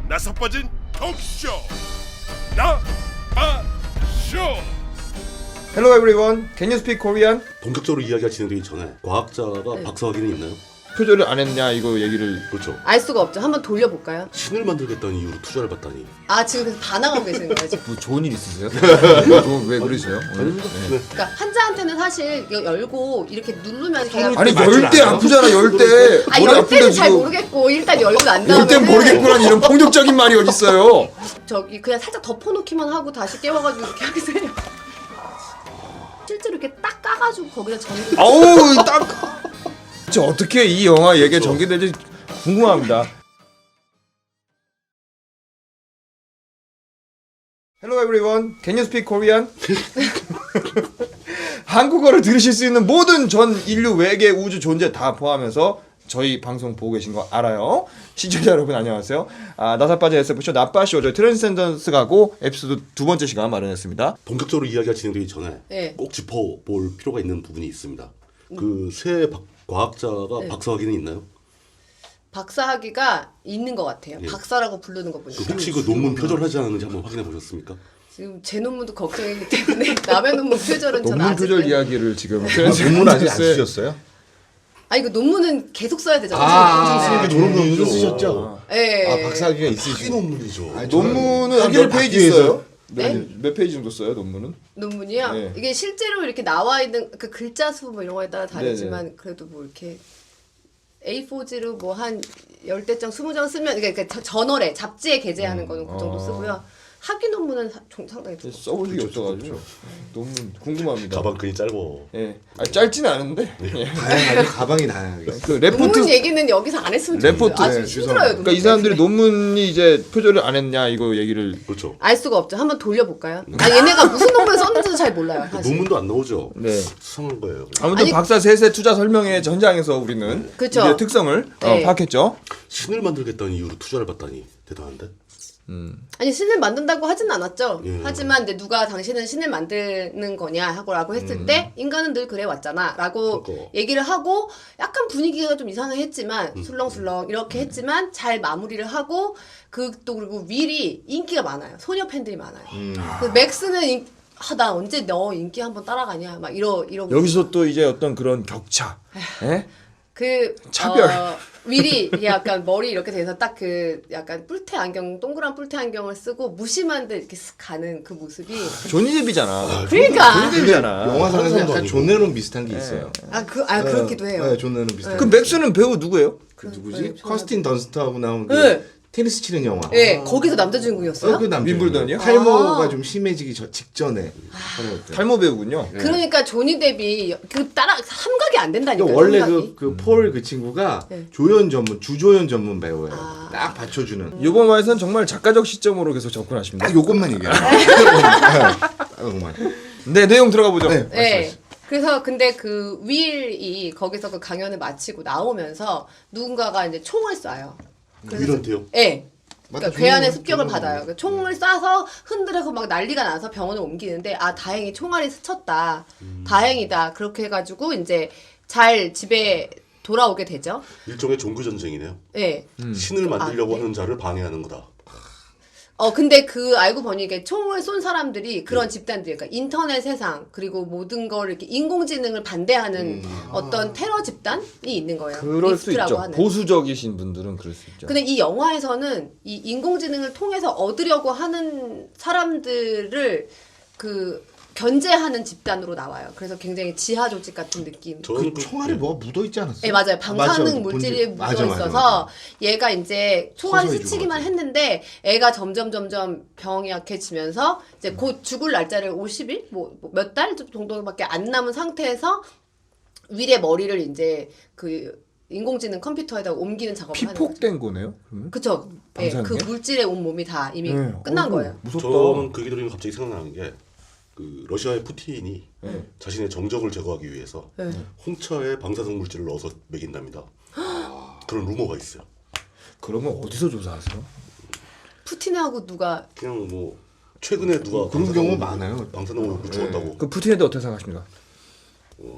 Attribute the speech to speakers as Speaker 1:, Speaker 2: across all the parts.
Speaker 1: 나서 빠진 톡쇼 나빠쇼.
Speaker 2: Hello everyone. Can you speak Korean?
Speaker 3: 본격적으로 이야기가 진행되기 전에 과학자가 박사학위는 있나요?
Speaker 2: 표절을 안 했냐 이거 얘기를.
Speaker 3: 그렇죠.
Speaker 4: 알 수가 없죠. 한번 돌려볼까요?
Speaker 3: 신을 만들겠다는 이유로 투자를 받다니.
Speaker 4: 아 지금 그래서 반항하고 계시는 거예요 지금.
Speaker 2: 뭐 좋은 일 있으세요? 왜 그러세요? 오늘? 네.
Speaker 4: 그러니까 환자한테는 사실 이거 열고 이렇게 누르면 걔가
Speaker 2: 아니
Speaker 3: 맞진
Speaker 2: 열 대
Speaker 3: 않아요?
Speaker 2: 아프잖아 열 대.
Speaker 4: 아
Speaker 2: 머리
Speaker 4: 열
Speaker 2: 아픈데
Speaker 4: 때는 잘
Speaker 2: 지금.
Speaker 4: 모르겠고 일단 열고 난 다음에
Speaker 2: 열 대 모르겠구나 이런 폭력적인 말이 어딨어요?
Speaker 4: 저기 그냥 살짝 덮어놓기만 하고 다시 깨워가지고 이렇게 하세요. 실제로 이렇게 딱 까가지고 거기다 전기.
Speaker 2: 아우 딱. 저 어떻게 이 영화 얘기에 전개될지 궁금합니다. Hello everyone. Can you speak Korean? 한국어를 들으실 수 있는 모든 전 인류 외계 우주 존재 다 포함해서 저희 방송 보고 계신 거 알아요. 시청자 여러분 안녕하세요. 나사 빠진 SF쇼 나빠쇼 저희 트랜스cenden스 가고 에피소드 두 번째 시간 마련했습니다.
Speaker 3: 본격적으로 이야기가 진행되기 전에
Speaker 4: 네.
Speaker 3: 꼭 짚어볼 필요가 있는 부분이 있습니다. 그 새 과학자가 박사학위는 있나요?
Speaker 4: 박사학위가 있는 것 같아요.
Speaker 3: 예.
Speaker 4: 박사라고 부르는 거 보니까.
Speaker 3: 혹시 그 논문 표절하지 않았는지 한번 확인해 보셨습니까?
Speaker 4: 지금 제 논문도 걱정이기 때문에 남의 논문 표절은 저는
Speaker 2: 논문
Speaker 4: 아직.
Speaker 2: 표절 이야기를 지금
Speaker 5: 논문 아직 안 쓰셨어요?
Speaker 4: 아 이거 논문은 계속 써야 되잖아요.
Speaker 5: 논문 쓰셨죠?
Speaker 4: 네.
Speaker 5: 박사학위가
Speaker 3: 학위
Speaker 5: 있으시죠?
Speaker 3: 논문이죠.
Speaker 2: 논문은
Speaker 5: 학위를
Speaker 2: 몇 페이지
Speaker 5: 받기 위해서?
Speaker 2: 있어요?
Speaker 4: 네?
Speaker 2: 몇 페이지 정도 써요 논문은?
Speaker 4: 논문이요?
Speaker 2: 네.
Speaker 4: 이게 실제로 이렇게 나와 있는 그 글자 수 뭐 이런 거에 따라 다르지만 그래도 뭐 이렇게 A4지로 뭐 한 10대장 20장 쓰면 그러니까 저널에 잡지에 게재하는 거는 그 정도 쓰고요. 학위 논문은 상당히 좀
Speaker 2: 써본 적이 없어가지고 논문 궁금합니다.
Speaker 3: 가방끈이 짧어.
Speaker 2: 예, 짧지는 않은데
Speaker 5: 다양하게 가방이 다양하게.
Speaker 2: 그 레포트
Speaker 4: 논문 얘기는 여기서 안 했으면 좋겠어요.
Speaker 2: 레포트.
Speaker 4: 아주
Speaker 5: 네,
Speaker 4: 힘들어요.
Speaker 2: 그러니까 이 사람들이 논문이 이제 표절을 안 했냐 이거 얘기를.
Speaker 3: 그렇죠.
Speaker 4: 알 수가 없죠. 한번 돌려볼까요? 아 얘네가 무슨 논문을 썼는지도 잘 몰라요. 사실.
Speaker 3: 논문도 안 나오죠.
Speaker 2: 네.
Speaker 3: 수상한 거예요.
Speaker 2: 아무튼
Speaker 4: 아니-
Speaker 2: 박사 셋의 투자 설명회 전장에서 우리는
Speaker 4: 그쵸.
Speaker 2: 이제 특성을
Speaker 4: 네.
Speaker 2: 파악했죠.
Speaker 3: 신을 만들겠다는 이유로 투자를 받다니 대단한데?
Speaker 4: 아니 신을 만든다고 하진 않았죠.
Speaker 3: 예.
Speaker 4: 하지만 이제 누가 당신은 신을 만드는 거냐 하고라고 했을 때 인간은 늘 그래 왔잖아라고
Speaker 3: 그거.
Speaker 4: 얘기를 하고 약간 분위기가 좀 이상했지만 술렁술렁 이렇게 했지만 잘 마무리를 하고 그 또 그리고 윌이 인기가 많아요. 소녀 팬들이 많아요. 그 맥스는 나 언제 너 인기 한번 따라가냐 막 이러고
Speaker 2: 여기서 또 이제 어떤 그런 격차, 예?
Speaker 4: 그
Speaker 2: 차별.
Speaker 4: 윌이 이게 약간 머리 이렇게 돼서 딱 그 약간 뿔테 안경 동그란 뿔테 안경을 쓰고 무심한데 이렇게 쓱 가는 그 모습이
Speaker 2: 조니뎁이잖아.
Speaker 4: 그러니까
Speaker 2: 조니뎁이잖아.
Speaker 5: 영화상에서 약간 존 레논 비슷한 게 있어요.
Speaker 4: 그렇기도 해요.
Speaker 5: 네, 존 레논 비슷한.
Speaker 2: 그 맥스는 배우 누구예요?
Speaker 5: 그 누구지?
Speaker 4: 네,
Speaker 5: 커스틴 던스트하고 나온 그
Speaker 4: 네.
Speaker 5: 테니스 치는 영화.
Speaker 4: 네, 거기서 남자 주인공이었어요.
Speaker 5: 그 남자.
Speaker 2: 윈블던이요?
Speaker 5: 탈모가
Speaker 4: 아.
Speaker 5: 좀 심해지기 직전에 촬영했대.
Speaker 2: 탈모 배우군요.
Speaker 4: 그러니까 조니 뎁이 그 따라 삼각이 안 된다니까요.
Speaker 5: 원래
Speaker 4: 삼각이.
Speaker 5: 폴 그 친구가
Speaker 4: 네.
Speaker 5: 조연 전문 주조연 전문 배우예요.
Speaker 4: 아.
Speaker 5: 딱 받쳐주는.
Speaker 2: 이번 화에서는 정말 작가적 시점으로 계속 접근하십니다.
Speaker 5: 딱 요것만 얘기해요. 요것만.
Speaker 2: 네, 내용 들어가 보죠.
Speaker 5: 네.
Speaker 4: 네. 그래서 근데 그 윌이 거기서 그 강연을 마치고 나오면서 누군가가 이제 총을 쏴요.
Speaker 3: 윌한테요?
Speaker 4: 네.
Speaker 5: 맞다,
Speaker 4: 그러니까 괴한의
Speaker 5: 총을-
Speaker 4: 습격을
Speaker 5: 총을-
Speaker 4: 받아요. 그 총을 쏴서 흔들어서 막 난리가 나서 병원을 옮기는데 다행히 총알이 스쳤다. 다행이다. 그렇게 해가지고 이제 잘 집에 돌아오게 되죠.
Speaker 3: 일종의 종교 전쟁이네요.
Speaker 4: 네.
Speaker 3: 신을 만들려고
Speaker 4: 네.
Speaker 3: 하는 자를 방해하는 거다.
Speaker 4: 근데 그 알고 보니 이게 총을 쏜 사람들이 그런 집단들, 그러니까 인터넷 세상 그리고 모든 걸 이렇게 인공지능을 반대하는 어떤 테러 집단이 있는 거예요.
Speaker 2: 그럴 수
Speaker 4: 리스트라고
Speaker 2: 있죠.
Speaker 4: 하는.
Speaker 2: 보수적이신 분들은 그럴 수 있죠.
Speaker 4: 근데 이 영화에서는 이 인공지능을 통해서 얻으려고 하는 사람들을 그 견제하는 집단으로 나와요. 그래서 굉장히 지하 조직 같은 느낌.
Speaker 3: 저는
Speaker 5: 그 총알에 뭐가 묻어 있지 않았어요?
Speaker 4: 네 맞아요.
Speaker 5: 맞아,
Speaker 4: 방사능 물질이 묻어
Speaker 5: 맞아, 맞아,
Speaker 4: 있어서
Speaker 5: 맞아.
Speaker 4: 얘가 이제 총알이
Speaker 5: 서서히
Speaker 4: 스치기만
Speaker 5: 죽어가지고.
Speaker 4: 했는데 애가 점점 병이 약해지면서 이제 곧 죽을 날짜를 50일 뭐 몇 달 정도밖에 안 남은 상태에서 윌의 머리를 이제 그 인공지능 컴퓨터에다 옮기는 작업을 하는 거죠.
Speaker 2: 피폭된 거네요. 그러면?
Speaker 4: 그쵸. 예,
Speaker 2: 방사능에?
Speaker 4: 그 물질에 온 몸이 다 이미
Speaker 2: 네.
Speaker 4: 끝난
Speaker 2: 어이구,
Speaker 4: 거예요.
Speaker 2: 무섭다.
Speaker 3: 저는 그 얘기 들으면 갑자기 생각나는 게 그 러시아의 푸틴이
Speaker 2: 네.
Speaker 3: 자신의 정적을 제거하기 위해서
Speaker 4: 네.
Speaker 3: 홍차에 방사성 물질을 넣어서 먹인답니다. 그런 루머가 있어요.
Speaker 2: 그러면 어디서 조사하세요?
Speaker 4: 푸틴하고 누가
Speaker 3: 그냥 뭐 최근에 누가
Speaker 5: 그런 경우 많아요.
Speaker 3: 방사능을 묻혀왔다고.
Speaker 2: 그 푸틴에 대해 어떻게 생각하십니까?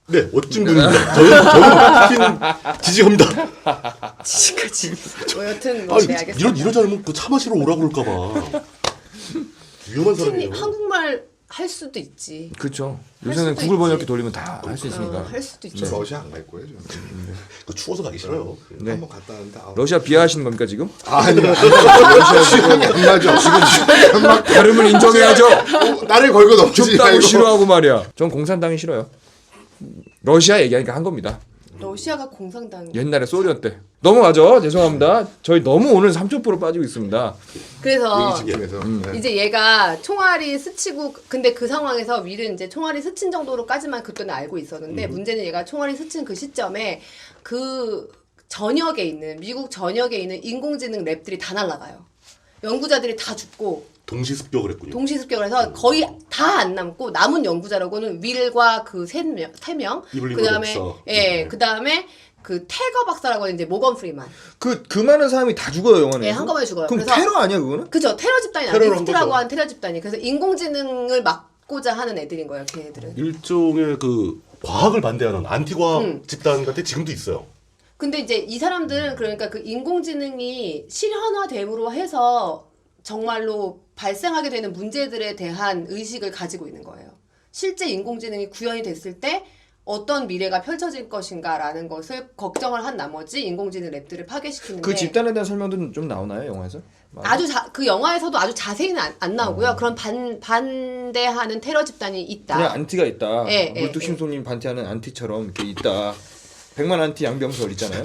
Speaker 3: 네, 멋진 분입니다. 저는 지지합니다.
Speaker 4: 지금까지. 뭐 여튼
Speaker 3: 아,
Speaker 4: 뭐 네, 알겠습니다.
Speaker 3: 이러지 않으면 그 차 마시러 오라고 그럴까봐. 위험한 사람이에요.
Speaker 4: 한국말 할 수도 있지.
Speaker 2: 그렇죠.
Speaker 4: 할
Speaker 2: 요새는
Speaker 4: 수도
Speaker 2: 구글 번역기
Speaker 4: 있지.
Speaker 2: 돌리면 다 할 수 있으니까.
Speaker 4: 할 수도 있죠.
Speaker 5: 저 러시아 안 갈 거예요. 저는.
Speaker 3: 그 추워서 가기 싫어요.
Speaker 2: 네.
Speaker 5: 한번 갔다 왔는데
Speaker 2: 러시아 비하하시는 겁니까 지금?
Speaker 5: 아니요. 러시아 취향이 안 맞아. 지금 막
Speaker 2: 다름을 인정해야죠.
Speaker 5: 나를 걸고 넘지
Speaker 2: 춥다고
Speaker 5: 말고.
Speaker 2: 싫어하고 말이야. 전 공산당이 싫어요. 러시아 얘기하니까 한 겁니다.
Speaker 4: 러시아가 공산당.
Speaker 2: 옛날에 소련 때. 넘어가죠. 죄송합니다. 저희 너무 오늘 3초% 빠지고 있습니다.
Speaker 4: 그래서
Speaker 5: 얘기 지키면서. 네.
Speaker 4: 이제 얘가 총알이 스치고 근데 그 상황에서 윌은 이제 총알이 스친 정도로까지만 그때는 알고 있었는데 문제는 얘가 총알이 스친 그 시점에 그 전역에 있는 미국 전역에 있는 인공지능 랩들이 다 날아가요. 연구자들이 다 죽고
Speaker 3: 동시 습격을 했군요.
Speaker 4: 동시 습격을 해서 거의 다 안 남고 남은 연구자라고는 윌과 그 세 명,
Speaker 3: 이블린
Speaker 4: 그다음에
Speaker 3: 박사.
Speaker 4: 그다음에 그 태거 박사라고 하는 이제 모건 프리만.
Speaker 2: 그 많은 사람이 다 죽어요 영화에.
Speaker 4: 예, 한꺼번에 죽어요.
Speaker 2: 그럼
Speaker 4: 그래서-
Speaker 2: 테러 아니야 그거는?
Speaker 4: 그죠. 테러 집단이
Speaker 3: 테러를 한
Speaker 4: 리스트라고
Speaker 3: 거죠.
Speaker 4: 하는 테러 집단이. 그래서 인공지능을 막고자 하는 애들인 거예요. 걔네들은.
Speaker 3: 일종의 그 과학을 반대하는 안티과학 집단 같은 지금도 있어요.
Speaker 4: 근데 이제 이 사람들은 그러니까 그 인공지능이 실현화됨으로 해서 정말로 발생하게 되는 문제들에 대한 의식을 가지고 있는 거예요. 실제 인공지능이 구현이 됐을 때 어떤 미래가 펼쳐질 것인가라는 것을 걱정을 한 나머지 인공지능 랩들을 파괴시키는데
Speaker 2: 그 집단에 대한 설명도 좀 나오나요 영화에서?
Speaker 4: 그 영화에서도 아주 자세히는 안 나오고요. 그런 반대하는 테러 집단이 있다.
Speaker 2: 그냥 안티가 있다.
Speaker 4: 예, 예,
Speaker 2: 물뚝심송님 반티하는 안티처럼 이렇게 있다. 100만 안티 양병설 있잖아요.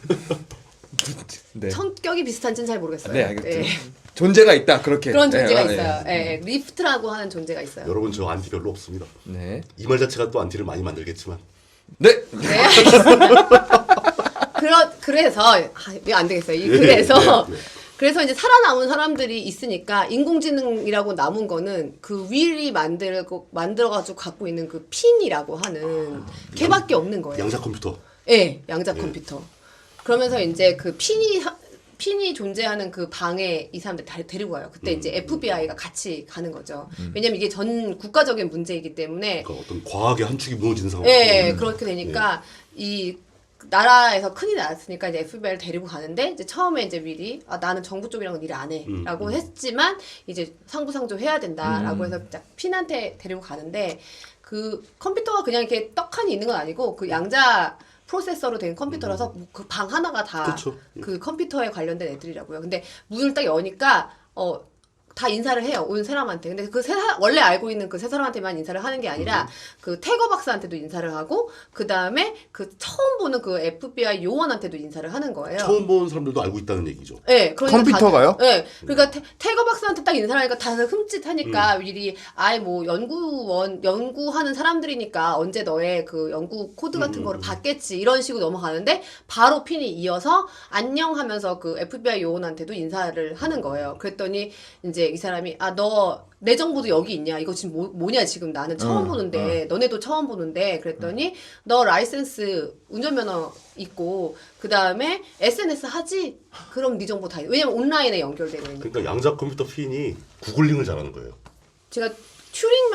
Speaker 2: 네.
Speaker 4: 성격이 비슷한지는 잘 모르겠어요.
Speaker 2: 네 알겠죠.
Speaker 4: 예.
Speaker 2: 존재가 있다 그렇게.
Speaker 4: 그런 존재가
Speaker 2: 네,
Speaker 4: 있어요. 예, 리프트라고 하는 존재가 있어요.
Speaker 3: 여러분 저 안티 별로 없습니다.
Speaker 2: 네.
Speaker 3: 이 말 자체가 또 안티를 많이 만들겠지만
Speaker 2: 네.
Speaker 4: 네, 알겠습니다. 그래서 이거 안 되겠어요. 그래서
Speaker 3: 예, 예.
Speaker 4: 그래서 이제 살아남은 사람들이 있으니까 인공지능이라고 남은 거는 그 윌이 만들어가지고 갖고 있는 그 핀이라고 하는 걔밖에 없는 거예요.
Speaker 3: 양자 컴퓨터.
Speaker 4: 예, 양자 컴퓨터. 그러면서 이제 그 핀이 존재하는 그 방에 이 사람들 데리고 가요. 그때 이제 FBI가 같이 가는 거죠. 왜냐면 이게 전 국가적인 문제이기 때문에
Speaker 3: 그러니까 어떤 과학의 한 축이 무너지는 상황.
Speaker 4: 예, 그렇게 되니까 이 나라에서 큰일이 났으니까 이제 FBI를 데리고 가는데 이제 처음에 이제 윌이 나는 정부 쪽이랑은 일 안 해라고 했지만 이제 상부상조 해야 된다라고 해서 딱 핀한테 데리고 가는데 그 컴퓨터가 그냥 이렇게 떡하니 있는 건 아니고 그 양자 프로세서로 된 컴퓨터라서 그 방 하나가 다
Speaker 3: 그쵸.
Speaker 4: 그 컴퓨터에 관련된 애들이라고요. 근데 문을 딱 여니까 다 인사를 해요. 온 사람한테. 근데 원래 알고 있는 그 세 사람한테만 인사를 하는 게 아니라 그 태거 박사한테도 인사를 하고 그 다음에 그 처음 보는 그 FBI 요원한테도 인사를 하는 거예요.
Speaker 3: 처음 본 사람들도 알고 있다는 얘기죠.
Speaker 4: 네, 그러니까
Speaker 2: 컴퓨터가요?
Speaker 4: 네, 그러니까 태거 박사한테 딱 인사를 하니까 다들 흠칫하니까 윌이 뭐 연구하는 사람들이니까 언제 너의 그 연구 코드 같은 거를 받겠지 이런 식으로 넘어가는데 바로 핀이 이어서 안녕하면서 그 FBI 요원한테도 인사를 하는 거예요. 그랬더니 이제 이 사람이 너 내 정보도 여기 있냐? 이거 지금 뭐냐? 지금 나는 처음 보는데 너네도 처음 보는데 그랬더니 너 라이센스 운전면허 있고 그 다음에 SNS 하지? 그럼 네 정보 다 왜냐면 온라인에 연결되어 있는.
Speaker 3: 그러니까 양자 컴퓨터 핀이 구글링을 잘하는 거예요.
Speaker 4: 제가 튜링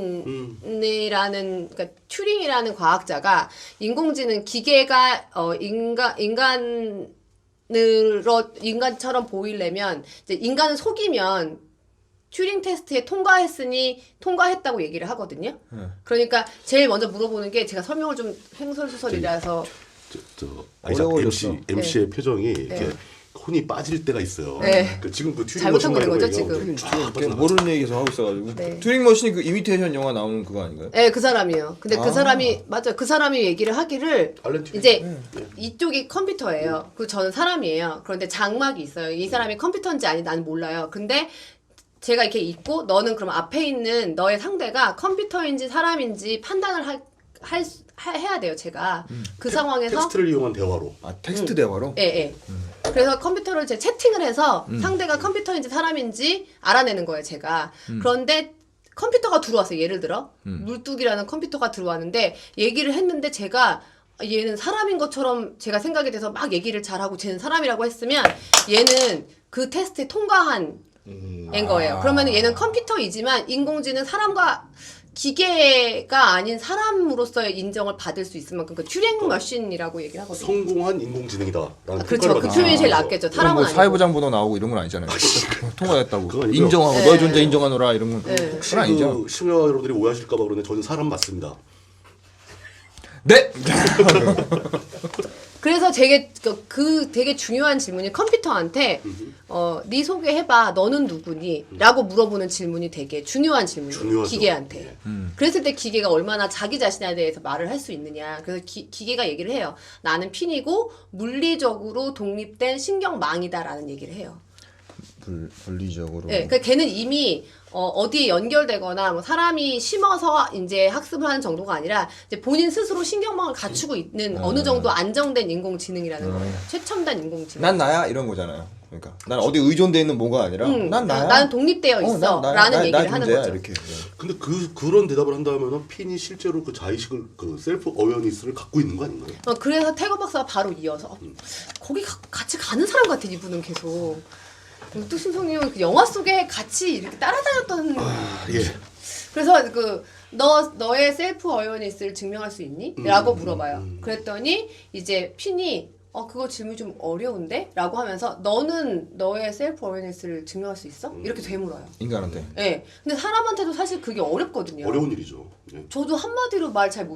Speaker 4: 머신이라는 그러니까 튜링이라는 과학자가 인공지능 기계가 인간처럼 보이려면 이제 인간을 속이면 튜링 테스트에 통과했다고 얘기를 하거든요. 그러니까 제일 먼저 물어보는 게 제가 설명을 좀 횡설수설이라서
Speaker 3: 아이작
Speaker 2: 어려워졌어.
Speaker 3: MC의 표정이 이렇게 혼이 빠질 때가 있어요.
Speaker 4: 네.
Speaker 3: 지금 그 튜링
Speaker 4: 잘못한
Speaker 3: 머신
Speaker 4: 거죠,
Speaker 3: 말고
Speaker 4: 지금.
Speaker 3: 얘기하고
Speaker 2: 모르는 얘기에서 하고 있어가지고
Speaker 4: 네.
Speaker 2: 튜링 머신이 그 이미테이션 영화 나오는 그거 아닌가요?
Speaker 4: 네, 그 사람이에요. 근데 그 사람이 맞아요. 그 사람이 얘기를 하기를
Speaker 3: 알렌 튜링.
Speaker 4: 이제 이쪽이 컴퓨터예요. 그리고 저는 사람이에요. 그런데 장막이 있어요. 이 사람이 컴퓨터인지 아닌지 나는 몰라요. 근데 제가 이렇게 있고 너는 그럼 앞에 있는 너의 상대가 컴퓨터인지 사람인지 판단을 해야 돼요. 제가 그 상황에서
Speaker 3: 텍스트를 이용한 대화로.
Speaker 2: 텍스트 대화로?
Speaker 4: 예. 그래서 컴퓨터를 제 채팅을 해서 상대가 컴퓨터인지 사람인지 알아내는 거예요, 제가. 그런데 컴퓨터가 들어왔어요, 예를 들어. 물뚝이라는 컴퓨터가 들어왔는데 얘기를 했는데 제가 얘는 사람인 것처럼 제가 생각이 돼서 막 얘기를 잘하고 쟤는 사람이라고 했으면 얘는 그 테스트에 통과한 인 거예요. 그러면 얘는 컴퓨터이지만 인공지능 사람과 기계가 아닌 사람으로서의 인정을 받을 수 있을 만큼 그 튜링 머신이라고 얘기를 하거든요.
Speaker 3: 성공한 인공지능이다라는
Speaker 4: 그렇죠. 그 표현이 제일 낫겠죠.
Speaker 2: 그럼
Speaker 4: 사람은
Speaker 2: 뭐
Speaker 4: 아니고.
Speaker 2: 사회부장 번호 나오고 이런 건 아니잖아요. 통과했다고
Speaker 3: 그건 아니고요.
Speaker 2: 인정하고
Speaker 4: 네.
Speaker 2: 너의 존재 인정하노라 이런 건
Speaker 4: 네.
Speaker 3: 혹시
Speaker 2: 그건 아니죠.
Speaker 3: 그 심야 여러분들이 오해하실까봐 그러는데 저는 사람 맞습니다.
Speaker 2: 네.
Speaker 4: 그래서 되게 되게 중요한 질문이 컴퓨터한테 네 소개해봐. 너는 누구니?라고 물어보는 질문이 되게 중요한 질문이에요.
Speaker 3: 중요하죠.
Speaker 4: 기계한테.
Speaker 3: 예.
Speaker 4: 그랬을 때 기계가 얼마나 자기 자신에 대해서 말을 할 수 있느냐. 그래서 기계가 얘기를 해요. 나는 핀이고 물리적으로 독립된 신경망이다라는 얘기를 해요.
Speaker 2: 분리적으로.
Speaker 4: 네, 그러니까 걔는 이미 어디에 연결되거나 뭐 사람이 심어서 이제 학습을 하는 정도가 아니라 이제 본인 스스로 신경망을 갖추고 있는 어느 정도 안정된 인공지능이라는 거예요. 최첨단 인공지능.
Speaker 2: 난 나야 이런 거잖아요. 그러니까 난 어디 의존돼 있는 뭐가 아니라 난 나야.
Speaker 4: 나는 독립되어 있어.
Speaker 2: 난 나야.
Speaker 4: 라는
Speaker 2: 나
Speaker 4: 얘기를 하는
Speaker 2: 존재야,
Speaker 4: 거죠.
Speaker 2: 이렇게.
Speaker 3: 근데 그런 대답을 한다면은 핀이 실제로 그 자의식을 그 셀프 어웨어니스를 갖고 있는 거 아닌가요?
Speaker 4: 그래서 태거 박사가 바로 이어서 거기 같이 가는 사람 같아 이분은 계속. 뚝심성님은 그 영화 속에 같이 이렇게 따라다녔던.
Speaker 3: 예.
Speaker 4: 그래서 너의 셀프 어웨어니스를 증명할 수 있니? 라고 물어봐요. 그랬더니 이제 핀이 그거 질문이 좀 어려운데? 라고 하면서 너는 너의 셀프 어웨어니스를 증명할 수 있어? 이렇게 되물어요.
Speaker 2: 인간한테.
Speaker 4: 예. 네. 근데 사람한테도 사실 그게 어렵거든요.
Speaker 3: 어려운 일이죠. 예.
Speaker 4: 저도 한마디로 말 잘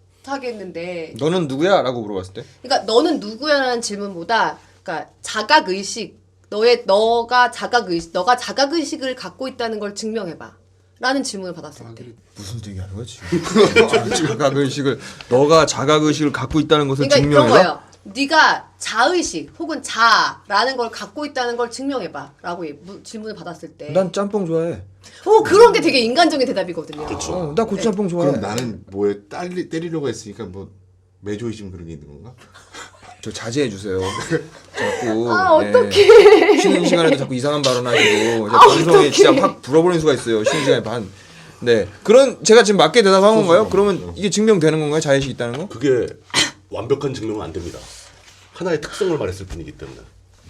Speaker 4: 못하겠는데.
Speaker 2: 너는 누구야? 라고 물어봤을 때.
Speaker 4: 그러니까 너는 누구야라는 질문보다 그러니까 자각 의식 너가 자각 의식을 갖고 있다는 걸 증명해봐. 라는 질문을 받았을 때.
Speaker 2: 무슨 얘기하는 거야 지금? 자각 의식을 너가 자각 의식을 갖고 있다는 것을
Speaker 4: 그러니까 그런
Speaker 2: 증명해봐.
Speaker 4: 거예요. 네가 자의식 혹은 자라는 걸 갖고 있다는 걸 증명해봐라고 질문을 받았을 때.
Speaker 2: 난 짬뽕 좋아해.
Speaker 4: 그런 게 되게 인간적인 대답이거든요.
Speaker 3: 그렇죠.
Speaker 2: 나 고추짬뽕 좋아해.
Speaker 5: 그럼 나는 뭐에 때리려고 했으니까 뭐 매조이즘 그런 게 있는 건가?
Speaker 2: 저 자제해 주세요. 자꾸
Speaker 4: 어떡해.
Speaker 2: 쉬는 시간에도 자꾸 이상한 발언하시고 방송에 진짜 확 불어버리는 수가 있어요. 쉬는 시간에 반. 네, 그런 제가 지금 맞게 대답한 건가요? 그러면 이게 증명되는 건가요? 자의식 있다는 거?
Speaker 3: 그게 완벽한 증명은 안 됩니다. 하나의 특성을 말했을 뿐이기 때문에.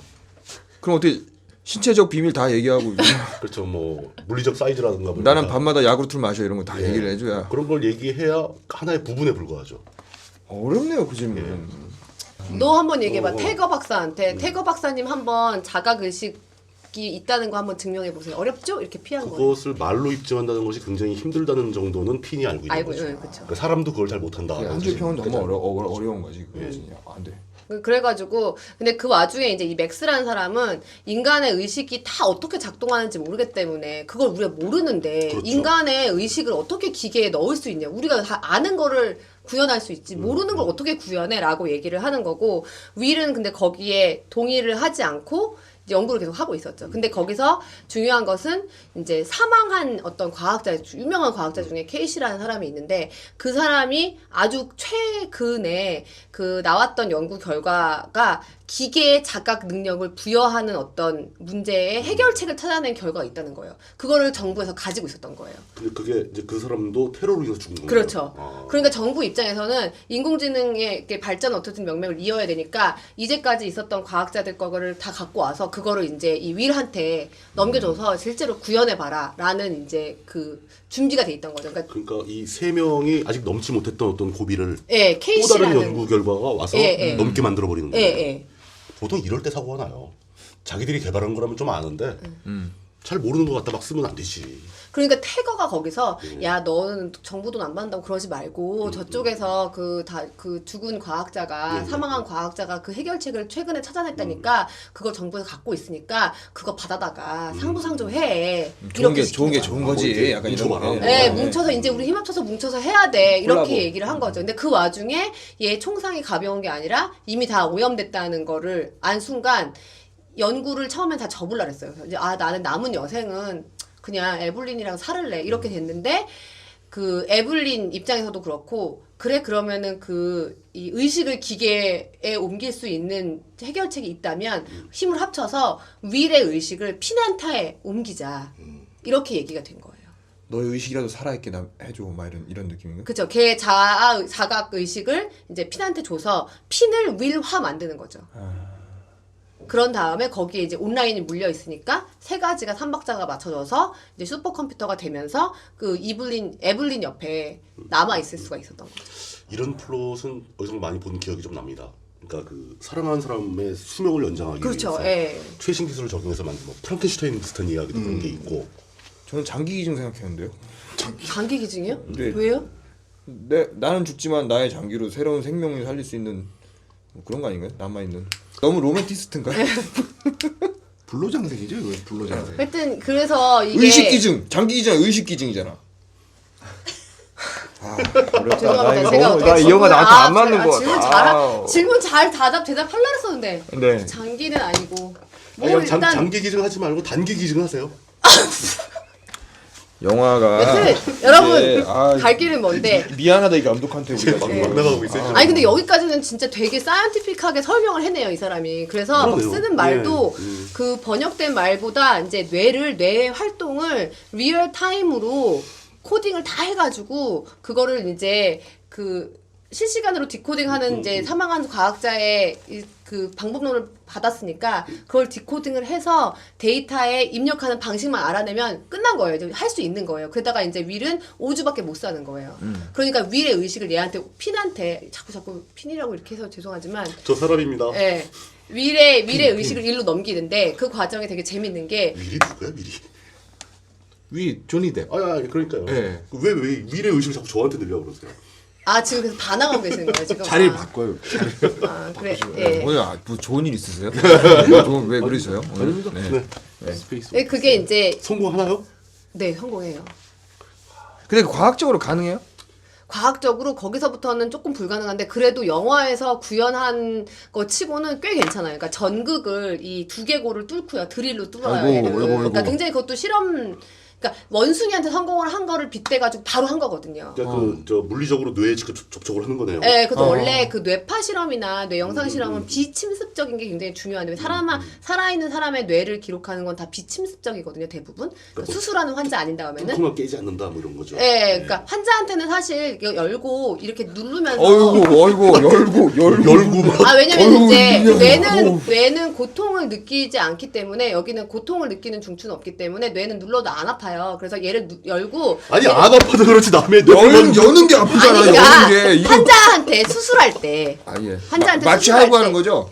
Speaker 2: 그럼 어떻게 신체적 비밀 다 얘기하고
Speaker 3: 그렇죠. 뭐 물리적 사이즈라든가 뭐
Speaker 2: 나는
Speaker 3: 이런
Speaker 2: 밤마다 야구르트를 마셔 이런 거 다
Speaker 3: 예.
Speaker 2: 얘기를 해줘야
Speaker 3: 그런 걸 얘기해야 하나의 부분에 불과하죠.
Speaker 2: 어렵네요 그 질문은.
Speaker 4: 너 한번 얘기해봐. 태거 박사한테. 태거 박사님 한번 자각 의식이 있다는 거 한번 증명해 보세요. 어렵죠? 이렇게 피한 거예요.
Speaker 3: 그것을 말로 입증한다는 것이 굉장히 힘들다는 정도는 핀이 알고 있는 거죠.
Speaker 4: 그쵸.
Speaker 3: 그러니까 사람도 그걸 잘 못한다.
Speaker 2: 한줄 평은 너무 어려운 거지. 안 돼.
Speaker 4: 그래가지고 근데 그 와중에 이제 이 맥스라는 사람은 인간의 의식이 다 어떻게 작동하는지 모르기 때문에 그걸 우리가 모르는데
Speaker 3: 그렇죠.
Speaker 4: 인간의 의식을 어떻게 기계에 넣을 수 있냐. 우리가 다 아는 거를 구현할 수 있지 모르는 걸 어떻게 구현해 라고 얘기를 하는 거고 윌은 근데 거기에 동의를 하지 않고 연구를 계속 하고 있었죠. 근데 거기서 중요한 것은 이제 사망한 어떤 과학자, 유명한 과학자 중에 케이시라는 사람이 있는데 그 사람이 아주 최근에 그 나왔던 연구 결과가 기계의 자각 능력을 부여하는 어떤 문제의 해결책을 찾아낸 결과가 있다는 거예요. 그거를 정부에서 가지고 있었던 거예요.
Speaker 3: 근데 그게 이제 그 사람도 테러로 인해서 죽은 거예요.
Speaker 4: 그렇죠. 그러니까 정부 입장에서는 인공지능의 발전 어떻든 명맥을 이어야 되니까 이제까지 있었던 과학자들 거를 다 갖고 와서 그거를 이제 이 윌한테 넘겨줘서 실제로 구현해봐라라는 이제 그 준비가 돼 있던 거죠.
Speaker 3: 그러니까 이 세 명이 아직 넘지 못했던 어떤 고비를
Speaker 4: 예,
Speaker 3: 또
Speaker 4: 케이시라는
Speaker 3: 다른 연구 결과가 와서 넘게 만들어 버리는 거예요.
Speaker 4: 예.
Speaker 3: 보통 이럴 때 사고가 나요. 자기들이 개발한 거라면 좀 아는데 잘 모르는 것 같다 막 쓰면 안 되지.
Speaker 4: 그러니까 태거가 거기서 야 너는 정부 돈 안 받는다고 그러지 말고 저쪽에서 그 죽은 과학자가 사망한 과학자가 그 해결책을 최근에 찾아냈다니까 그걸 정부에서 갖고 있으니까 그거 받아다가 상부상조해.
Speaker 2: 좋은 게 좋은 거지. 약간 이런 거.
Speaker 4: 네, 뭉쳐서 이제 우리 힘 합쳐서 뭉쳐서 해야 돼. 이렇게
Speaker 2: 콜라보.
Speaker 4: 얘기를 한 거죠. 근데 그 와중에 얘 총상이 가벼운 게 아니라 이미 다 오염됐다는 거를 안 순간 연구를 처음엔 다 접으려 그랬어요. 그래서 이제 나는 남은 여생은 그냥 에블린이랑 살을래. 이렇게 됐는데 그 에블린 입장에서도 그렇고 그래 그러면은 이 의식을 기계에 옮길 수 있는 해결책이 있다면 힘을 합쳐서 윌의 의식을 피난타에 옮기자. 이렇게 얘기가 된 거예요.
Speaker 2: 너의 의식이라도 살아있게 해줘. 막 이런 느낌인가?
Speaker 4: 그쵸. 걔 자각 의식을 이제 핀한테 줘서 핀을 윌화 만드는 거죠. 그런 다음에 거기에 이제 온라인이 물려 있으니까 세 가지가 삼박자가 맞춰져서 이제 슈퍼컴퓨터가 되면서 그 에블린 옆에 남아 있을 수가 있었던 거죠.
Speaker 3: 이런 플롯은 어디서 많이 본 기억이 좀 납니다. 그러니까 그 사랑하는 사람의 수명을 연장하기
Speaker 4: 그렇죠.
Speaker 3: 위해서
Speaker 4: 예.
Speaker 3: 최신 기술을 적용해서 만든 뭐 프랑켄슈타인 비슷한 이야기도 그런 게 있고.
Speaker 2: 저는 장기 기증 생각했는데요.
Speaker 4: 장기 기증이요?
Speaker 2: 네.
Speaker 4: 왜요?
Speaker 2: 나는 죽지만 나의 장기로 새로운 생명을 살릴 수 있는 뭐 그런 거 아닌가요? 남아 있는. 너무 로맨티스트인가요?
Speaker 5: 불로장생이죠, 이거 불로장생.
Speaker 4: 하여튼 그래서 이게
Speaker 2: 의식 기증, 장기 기증, 의식 기증이잖아. 어렵다.
Speaker 4: 죄송합니다. 제가 어떻게
Speaker 2: 나이 영화 나한테 안 맞는 거
Speaker 4: 질문
Speaker 2: 같아.
Speaker 4: 질문 잘 대답하려고 했었는데
Speaker 2: 네.
Speaker 4: 장기는 아니고
Speaker 3: 아니,
Speaker 4: 뭐
Speaker 3: 일단
Speaker 4: 일단
Speaker 3: 장기 기증 하지 말고 단기 기증 하세요.
Speaker 2: 영화가
Speaker 4: 여튼 여러분
Speaker 2: 네,
Speaker 4: 갈 길은 먼데
Speaker 2: 미안하다 이 감독한테 우리가
Speaker 3: 막
Speaker 2: 지금.
Speaker 3: 나가고 있어요.
Speaker 4: 아니 근데 여기까지는 진짜 되게 사이언티픽하게 설명을 해내요 이 사람이. 그래서 막
Speaker 3: 그러네요.
Speaker 4: 쓰는 말도
Speaker 3: 예,
Speaker 4: 그 번역된 말보다 이제 뇌의 활동을 리얼 타임으로 코딩을 다 해가지고 그거를 이제 그 실시간으로 디코딩하는 이제 사망한 과학자의 그 방법론을 받았으니까 그걸 디코딩을 해서 데이터에 입력하는 방식만 알아내면 끝난 거예요. 할 수 있는 거예요. 그러다가 이제 윌은 5주밖에 못 사는 거예요. 그러니까 윌의 의식을 얘한테 핀한테 자꾸 핀이라고 이렇게 해서 죄송하지만
Speaker 3: 저 사람입니다.
Speaker 4: 예. 윌의 의식을 일로 넘기는데 그 과정이 되게 재밌는 게
Speaker 3: 미리 누구야 미리?
Speaker 5: 위 조니 뎁.
Speaker 3: 아니 그러니까요.
Speaker 5: 예.
Speaker 3: 왜 미래 의식을 자꾸 저한테 늘려고 그러세요?
Speaker 4: 아 지금 그래서 반항하고 계시는 거예요 지금.
Speaker 5: 자리를
Speaker 4: 아,
Speaker 5: 바꿔요.
Speaker 4: 아 그래. 예.
Speaker 2: 오늘 뭐 좋은 일 있으세요? 왜 그러세요? 오늘? 네.
Speaker 5: 스페이스.
Speaker 4: 예, 그게 이제
Speaker 3: 성공하나요?
Speaker 4: 네 성공해요.
Speaker 2: 근데 과학적으로 가능해요?
Speaker 4: 과학적으로 거기서부터는 조금 불가능한데 그래도 영화에서 구현한 거 치고는 꽤 괜찮아요. 그러니까 전극을 이 두개골을 뚫고요. 드릴로 뚫어요.
Speaker 2: 아이고,
Speaker 4: 얘를.
Speaker 2: 아이고,
Speaker 4: 그러니까
Speaker 2: 아이고.
Speaker 4: 굉장히 그것도 실험. 그러니까 원숭이한테 성공을 한 거를 빗대가지고 바로 한 거거든요.
Speaker 3: 그러니까 저 물리적으로 뇌에 직접 접촉을 하는 거네요.
Speaker 4: 네, 그래서 원래 그 뇌파 실험이나 뇌 영상 실험은 비침습적인 게 굉장히 중요한데 살아있는 사람의 뇌를 기록하는 건 다 비침습적이거든요, 대부분. 그러니까 수술하는 환자 아닌 다음에는.
Speaker 3: 뚜껑만 깨지 않는다 뭐 이런 거죠.
Speaker 4: 네, 그러니까 환자한테는 사실 이거 열고 이렇게 누르면서.
Speaker 2: 어이구
Speaker 3: 열고 막
Speaker 4: 아 왜냐면
Speaker 2: 어이구,
Speaker 4: 이제
Speaker 2: 미안해.
Speaker 4: 뇌는 고통을 느끼지 않기 때문에 여기는 고통을 느끼는 중추는 없기 때문에 뇌는 눌러도 안 아파요. 그래서 얘를 열고.
Speaker 3: 아니
Speaker 4: 얘를-
Speaker 3: 안 아파도 그렇지 남의
Speaker 2: 여는 게 아프잖아.
Speaker 4: 아니
Speaker 2: 여는
Speaker 4: 그러니까
Speaker 2: 게 이거
Speaker 4: 환자한테 수술할 때
Speaker 2: 아 예.
Speaker 4: 환자한테
Speaker 2: 마취하고
Speaker 4: 수술할
Speaker 2: 하는
Speaker 4: 때
Speaker 2: 거죠?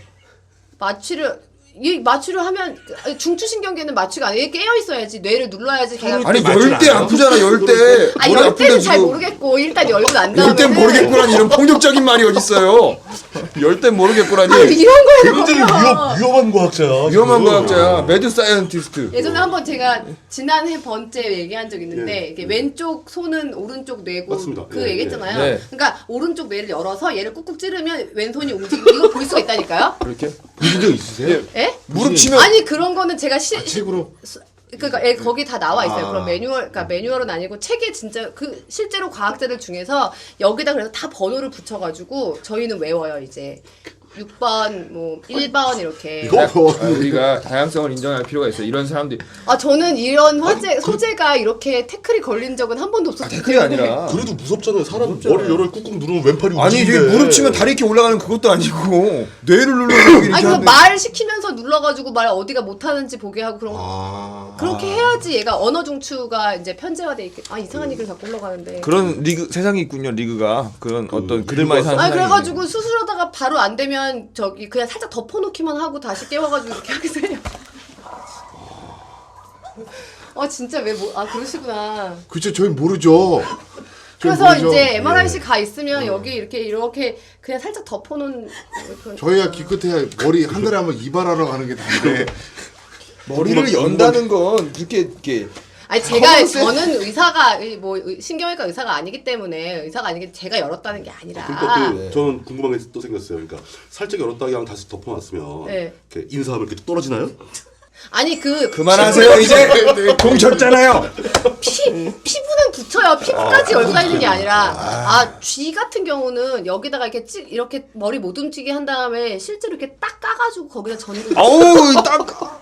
Speaker 4: 마취를 하면 중추신경계는 마취가 아니에요. 깨어 있어야지 뇌를 눌러야지 걔가.
Speaker 2: 아니
Speaker 5: 마취를
Speaker 2: 열 때
Speaker 5: 안 해요?
Speaker 2: 아프잖아. 열 때.
Speaker 4: 아니 열 때는 잘 모르겠고 일단 열고 난 다음에.
Speaker 2: 열땐 모르겠구라니 이런 폭력적인 말이 어딨어요. 열 땐 모르겠구라니.
Speaker 4: 이런 거에는
Speaker 3: 굉장히 위험한 과학자야.
Speaker 2: 위험한
Speaker 3: 지금.
Speaker 2: 과학자야. 매드 사이언티스트.
Speaker 4: 예전에 한번 제가 지난해 번째 얘기한 적 있는데 이게 왼쪽 손은 오른쪽 뇌고
Speaker 3: 맞습니다.
Speaker 4: 그
Speaker 3: 예,
Speaker 4: 얘기했잖아요.
Speaker 2: 예. 네.
Speaker 4: 그러니까 오른쪽 뇌를 열어서 얘를 꾹꾹 찌르면 왼손이 움직이고 이거 볼 수가 있다니까요.
Speaker 2: 그렇게
Speaker 5: 보신 적 있으세요?
Speaker 4: 예?
Speaker 2: 무릎 치면
Speaker 4: 아니 그런 거는 제가
Speaker 5: 책으로.
Speaker 4: 그러니까 거기 다 나와 있어요.
Speaker 5: 아.
Speaker 4: 그런 그러니까 매뉴얼은 아니고 책에 진짜 그 실제로 과학자들 중에서 여기다 그래서 다 번호를 붙여가지고 저희는 외워요 이제 6번 뭐 1번 이렇게.
Speaker 3: 이거
Speaker 2: 우리가 다양성을 인정할 필요가 있어요. 이런 사람들이
Speaker 4: 아 저는 이런 소재가 이렇게 태클이 걸린 적은 한 번도 없었기
Speaker 2: 태클이 아니라
Speaker 3: 그래도 무섭잖아요. 사람 머리 열을 꾹꾹 누르면 왼팔이
Speaker 2: 아니 이제
Speaker 3: 움직이는데.
Speaker 2: 무릎 치면 다리 이렇게 올라가는 그것도 아니고 뇌를 눌러서 이렇게
Speaker 4: 아니 그
Speaker 2: 하는데
Speaker 4: 말 시키면서 눌러가지고 말 어디가 못하는지 보게 하고 그런 거
Speaker 5: 아.
Speaker 4: 그렇게 해야지 얘가 언어 중추가 이제 편제화돼 있게. 아 이상한 얘기를 자꾸 올라가는데.
Speaker 2: 그런 리그 세상이 있군요. 리그가 그런 어떤 그들만의 사는
Speaker 4: 아니
Speaker 2: 세상이
Speaker 4: 그래가지고 수술하다가 바로 안 되면 저기 그냥 살짝 덮어놓기만 하고 다시 깨워가지고 이렇게 하겠어요. 진짜 왜 그러시구나.
Speaker 5: 그쵸, 저희 모르죠. 저희
Speaker 4: 그래서
Speaker 5: 모르죠.
Speaker 4: 이제 MRIC 가 있으면 여기 이렇게 그냥 살짝 덮어놓은 그런.
Speaker 5: 저희야 기껏해야 머리 한 달에 한번 이발하러 가는 게 다인데.
Speaker 2: 머리를 연다는 건 이렇게
Speaker 4: 아니 저는 의사가 뭐 신경외과 의사가 아니기 때문에 의사가 아니기 제가 열었다는 게 아니라.
Speaker 3: 그러니까 저는 궁금한 게 또 생겼어요. 그러니까 살짝 열었다가 그냥 다시 덮어놨으면
Speaker 4: 네.
Speaker 3: 이렇게 인사하면 이렇게 떨어지나요?
Speaker 4: 아니
Speaker 2: 그만하세요 이제 공쳤잖아요.
Speaker 4: 피부는 붙여요. 피부까지 열고 다니는 게 아니라 쥐 같은 경우는 여기다가 이렇게 머리 못 움직이게 한 다음에 실제로 이렇게 딱 까가지고 거기다 전구.
Speaker 2: 아우 딱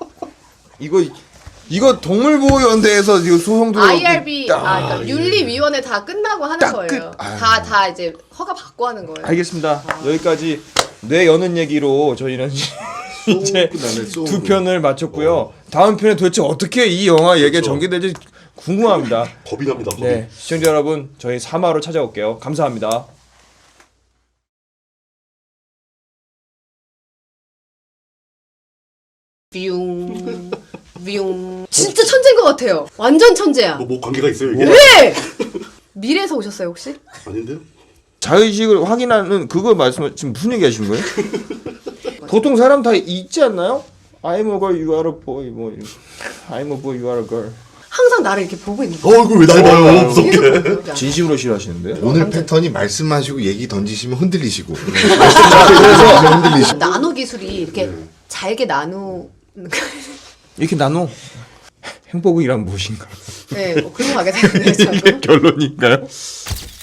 Speaker 2: 이거 동물보호연대에서 이거 소송 들어
Speaker 4: IRB 그러니까 윤리위원회 다 끝나고 하는 거예요. 다 이제 허가 받고 하는 거예요.
Speaker 2: 알겠습니다. 여기까지 뇌 여는 얘기로 저희는 이제
Speaker 5: 끝나네, 쏘.
Speaker 2: 두 편을 마쳤고요. 다음 편에 도대체 어떻게 이 영화 얘기가
Speaker 3: 그렇죠.
Speaker 2: 전개될지 궁금합니다.
Speaker 3: 겁이 납니다. 겁이.
Speaker 2: 네, 시청자 여러분, 저희 3화로 찾아올게요. 감사합니다.
Speaker 4: 뷰. 뷰. 진짜 천재인 것 같아요. 완전 천재야.
Speaker 3: 뭐 관계가 있어요 이게?
Speaker 4: 네! 미래에서 오셨어요 혹시?
Speaker 3: 아닌데요?
Speaker 2: 자의식을 확인하는 그거 말씀 지금 무슨 얘기 하시는 거예요? 보통 사람 다 있지 않나요? I'm a girl, you are a boy. 뭐 이런. I'm a boy, you are a girl.
Speaker 4: 항상 나를 이렇게 보고 있는 거야.
Speaker 3: 이거 왜 날 봐요? 무섭게.
Speaker 4: 계속 보고 있는
Speaker 2: 진심으로 싫어하시는데요?
Speaker 5: 오늘 패턴이 말씀하시고 얘기 던지시면 흔들리시고.
Speaker 2: 그래서
Speaker 5: 흔들리시고.
Speaker 4: 나노 기술이 이렇게 잘게 나누는
Speaker 2: 이렇게 나눠. 행복이란 무엇인가?
Speaker 4: 네, 뭐 그런 거 하게 되는데 저도.
Speaker 2: 결론인가요?